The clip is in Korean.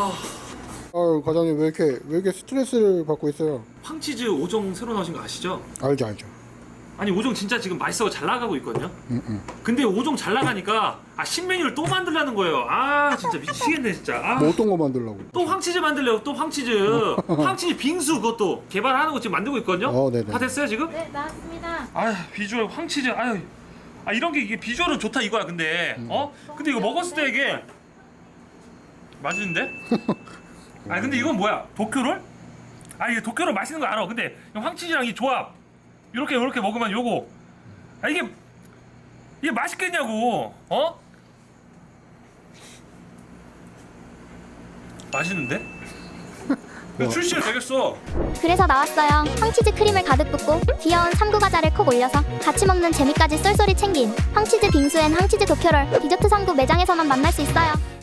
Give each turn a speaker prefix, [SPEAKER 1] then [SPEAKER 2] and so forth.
[SPEAKER 1] 아유 과장님 왜 이렇게 스트레스를 받고 있어요?
[SPEAKER 2] 황치즈 5종 새로 나오신 거 아시죠?
[SPEAKER 1] 알죠.
[SPEAKER 2] 아니 5종 진짜 지금 맛있어서 잘 나가고 있거든요.
[SPEAKER 1] 응.
[SPEAKER 2] 근데 5종 잘 나가니까 신메뉴를 또 만들라는 거예요. 진짜 미치겠네 진짜.
[SPEAKER 1] 뭐 어떤 거 만들려고?
[SPEAKER 2] 또 황치즈 만들래요. 또 황치즈. 황치즈 빙수 그것도 개발하는 거 지금 만들고 있거든요.
[SPEAKER 1] 네네.
[SPEAKER 2] 다 됐어요 지금?
[SPEAKER 3] 네, 나왔습니다.
[SPEAKER 2] 비주얼 황치즈. 이런 게 이게 비주얼은 좋다 이거야. 근데 근데 이거 먹었을 때 이게 맛있는데? 근데 이건 뭐야? 도쿄롤? 이게 도쿄롤 맛있는 거 알아. 근데 황치즈랑 이 조합 이렇게 먹으면 요거 이게 맛있겠냐고. 맛있는데? 이거 출시가 되겠어.
[SPEAKER 3] 그래서 나왔어요. 황치즈 크림을 가득 붓고 귀여운 삼구 과자를 콕 올려서 같이 먹는 재미까지 쏠쏠이 챙긴 황치즈 빙수엔 황치즈 도쿄롤 디저트 3구 매장에서만 만날 수 있어요.